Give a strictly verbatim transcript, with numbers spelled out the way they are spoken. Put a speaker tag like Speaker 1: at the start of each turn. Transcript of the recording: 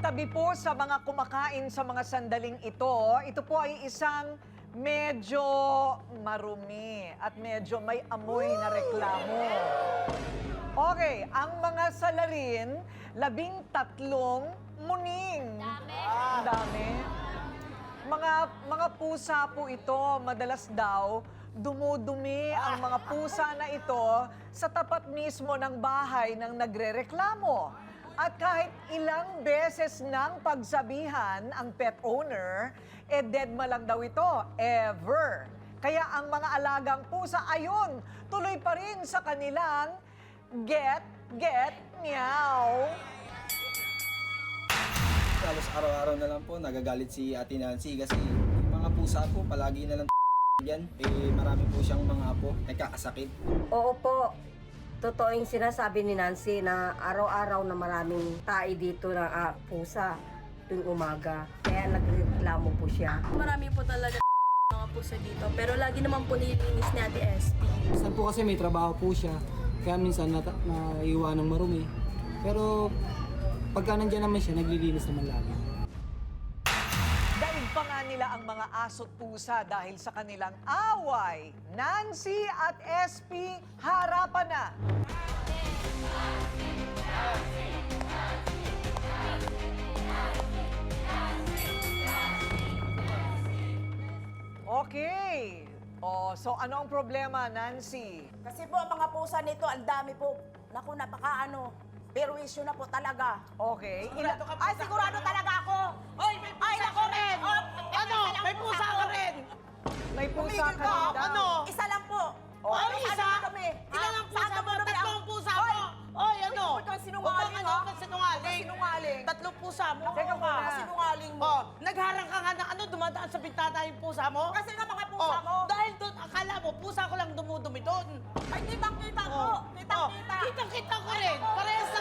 Speaker 1: Tabi po sa mga kumakain sa mga sandaling ito, ito po ay isang medyo marumi at medyo may amoy na reklamo. Okay, ang mga salarin, labing tatlong muning. Dami. Ang dami. Mga, mga pusa po ito, madalas daw, dumudumi ang mga pusa na ito sa tapat mismo ng bahay ng nagrereklamo. At kahit ilang beses nang pagsabihan ang pet owner, eh deadma lang daw ito, ever. Kaya ang mga alagang pusa, ayun, tuloy pa rin sa kanilang get, get, meow.
Speaker 2: Halos araw-araw na lang po nagagalit si Ate Nancy kasi yung mga pusa po palagi na lang yan. Eh marami po siyang mga apo, nagkakasakit.
Speaker 3: Oo po. Totoo yung sinasabi ni Nancy na araw-araw na maraming tae dito ng ah, pusa tuwing umaga. Kaya nagreklamo po siya.
Speaker 4: Marami po talaga mga pusa dito. Pero lagi naman po nililinis ni Ate S P.
Speaker 5: Minsan po kasi may trabaho po siya. Kaya minsan nata- naiwan ng marumi. Pero pagka nandiyan naman siya, naglilinis naman lagi.
Speaker 1: Daig pa nga nila ang mga aso't pusa dahil sa kanilang away. Nancy at S P, harapan na! Okay. Oh, so ano ang problema, Nancy?
Speaker 6: Kasi po, ang mga pusa nito, ang dami po. Naku, napaka ano, perwisyo na po talaga.
Speaker 1: Okay. Ila-
Speaker 6: Ay, sigurado talaga ako.
Speaker 7: Hoy, may pusa
Speaker 6: Ay,
Speaker 7: ka
Speaker 6: naku,
Speaker 7: rin!
Speaker 6: oh,
Speaker 7: Ano?
Speaker 6: isa lang
Speaker 7: May
Speaker 6: po
Speaker 7: pusa
Speaker 6: ako.
Speaker 7: ka rin!
Speaker 1: may pusa
Speaker 7: Tumigil
Speaker 1: ka
Speaker 7: ka,
Speaker 1: rin daw.
Speaker 7: ano?
Speaker 6: Isa lang po.
Speaker 1: Oh.
Speaker 7: Ay,
Speaker 6: Ano
Speaker 7: isa?
Speaker 6: kami?
Speaker 7: Ilan
Speaker 6: Ah,
Speaker 7: ang pusa
Speaker 6: saan ka
Speaker 7: mo?
Speaker 6: marami
Speaker 7: Tatlo
Speaker 6: ang-
Speaker 7: ang pusa
Speaker 6: Hoy!
Speaker 7: mo! Oy, ano?
Speaker 6: Huwag kang sinungaling,
Speaker 7: Huwag kang
Speaker 6: ha?
Speaker 7: ano, kang sinungaling.
Speaker 6: Huwag kang sinungaling.
Speaker 7: Tatlong pusa mo.
Speaker 1: Teka
Speaker 7: Oo,
Speaker 1: muna.
Speaker 6: Kasi sinungaling mo.
Speaker 7: Oh, nagharang ka nga ng ano, dumadaan sa bintana yung pusa mo?
Speaker 6: Kasi nga mga pusa
Speaker 7: Oh,
Speaker 6: mo.
Speaker 7: dahil doon, akala mo, pusa ko lang dumudumi doon.
Speaker 6: Ay, kitang-kita ko.
Speaker 7: Oh,
Speaker 6: Kitang-kita.
Speaker 7: Kitang-kita ko rin. Parehas